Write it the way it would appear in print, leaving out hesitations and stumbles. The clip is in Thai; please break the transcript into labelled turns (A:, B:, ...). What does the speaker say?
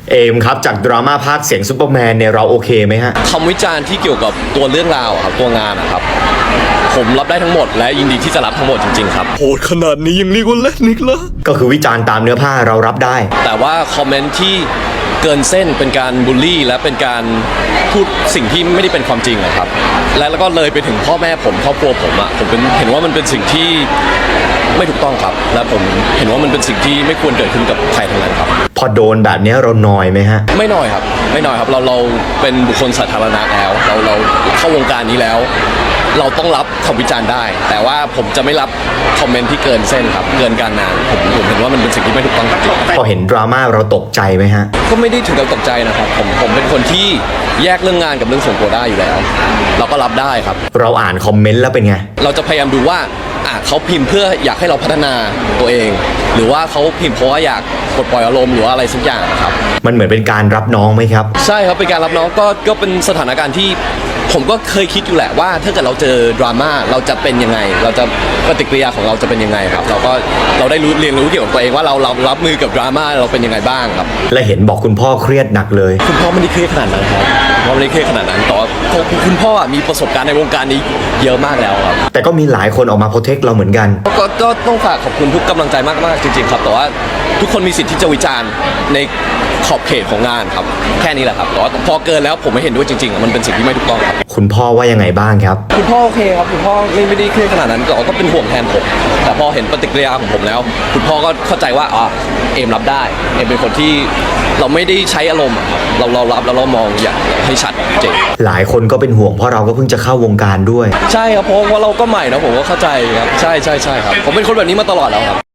A: เอมครับจากดราม่าภาคเสียงซูเปอร์แมนเนี่ยเราโอเคไหมฮะ
B: คำวิจารณ์ที่เกี่ยวกับตัวเรื่องราวครับตัวงานนะครับผมรับได้ทั้งหมดและยินดีที่จะรับทั้งหมดจริงๆครับ
C: โหดขนาดนี้ยังเรียกว่าเล่นอีกเหรอ
A: ก็คือวิจารณ์ตามเนื้อผ้าเรารับได้
B: แต่ว่าคอมเมนต์ที่เกินเส้นเป็นการบูลลี่และเป็นการพูดสิ่งที่ไม่ได้เป็นความจริงนะครับแล้วก็เลยไปถึงพ่อแม่ผมครอบครัวผมผมเห็นว่ามันเป็นสิ่งที่ไม่ถูกต้องครับและผมเห็นว่ามันเป็นสิ่งที่ไม่ควรเกิดขึ้นกับใครทั้งนั้นครับ
A: พอโดนแบบนี้เรานอยไหมฮะ
B: ไม่น้อยครับไม่น้อยครับเราเป็นบุคคลสาธารณะแล้วเราเข้าวงการนี้แล้วเราต้องรับคำวิจารณ์ได้แต่ว่าผมจะไม่รับคอมเมนต์ที่เกินเส้นครับเกินการงานผมเห็นว่ามันเป็นสิ่งที่ไม่ถูกต้องจริง
A: พอเห็นดราม่าเราตกใจไหมฮะ
B: ก็ไม่ได้ถึงกับตกใจนะครับผมเป็นคนที่แยกเรื่องงานกับเรื่องส่วนตัวได้อยู่แล้วเราก็รับได้ครับ
A: เราอ่านคอมเมนต์แล้วเป็นไง
B: เราจะพยายามดูว่าเขาพิมพ์เพื่ออยากให้เราพัฒนาตัวเองหรือว่าเขาพิมพ์เพราะว่าอยากปลดปล่อยอารมณ์หรือว่าอะไรสักอย่างครับ
A: มันเหมือนเป็นการรับน้องไหมครับ
B: ใช่ครับเป็นการรับน้องก็เป็นสถานการณ์ที่ผมก็เคยคิดอยู่แหละว่าถ้าเกิดเราเจอดราม่าเราจะเป็นยังไงเราจะปฏิกิริยาของเราจะเป็นยังไงครับเราได้เรียนรู้เกี่ยวกับตัวเองว่าเรารับมือกับดราม่าเราเป็นยังไงบ้างครับ
A: และเห็นบอกคุณพ่อเครียดหนักเลย
B: คุณพ่อไม่ได้เครียดขนาดนั้นครับพ่อไม่ได้เครียดขนาดนั้นแต่ว่าคุณพ่อมีประสบการณ์ในวงการนี้เยอะมากแล้วครับ
A: แต่ก็มีหลายคนออกมาโปรเทคเราเหมือนกัน
B: ก็ต้องฝากขอบคุณทุกกำลังใจมากๆจริงๆครับแต่ว่าทุกคนมีสิทธิ์ที่จะวิจารณ์ในขอบเขตของงานครับแค่นี้แหละครับแต่ว่าพอเกินแล้วผมไม่เห็นด้วยจริงๆมันเป็นสิ่งที่ไม่ถูกต้องครับ
A: คุณพ่อว่ายังไงบ้างครับ
B: คุณพ่อโอเคครับคุณพ่อไม่ได้เครียดขนาดนั้นแต่ก็เป็นห่วงแทนผมแต่พอเห็นปฏิกิริยาของผมแล้วคุณพ่อก็เข้าใจว่าเอมรับได้เอมเป็นคนที่เราไม่ได้ใช้อารมณ์เรารับแล้วเรามองอย่างให้ชัดเจน
A: หลายคนก็เป็นห่วงเพราะเราก็เพิ่งจะเข้าวงการด้วย
B: ใช่ครับเพราะว่าเราก็ใหม่นะผมก็เข้าใจครับใช่ครับผมเป็นคนแบบนี้มาตลอดแล้วครับ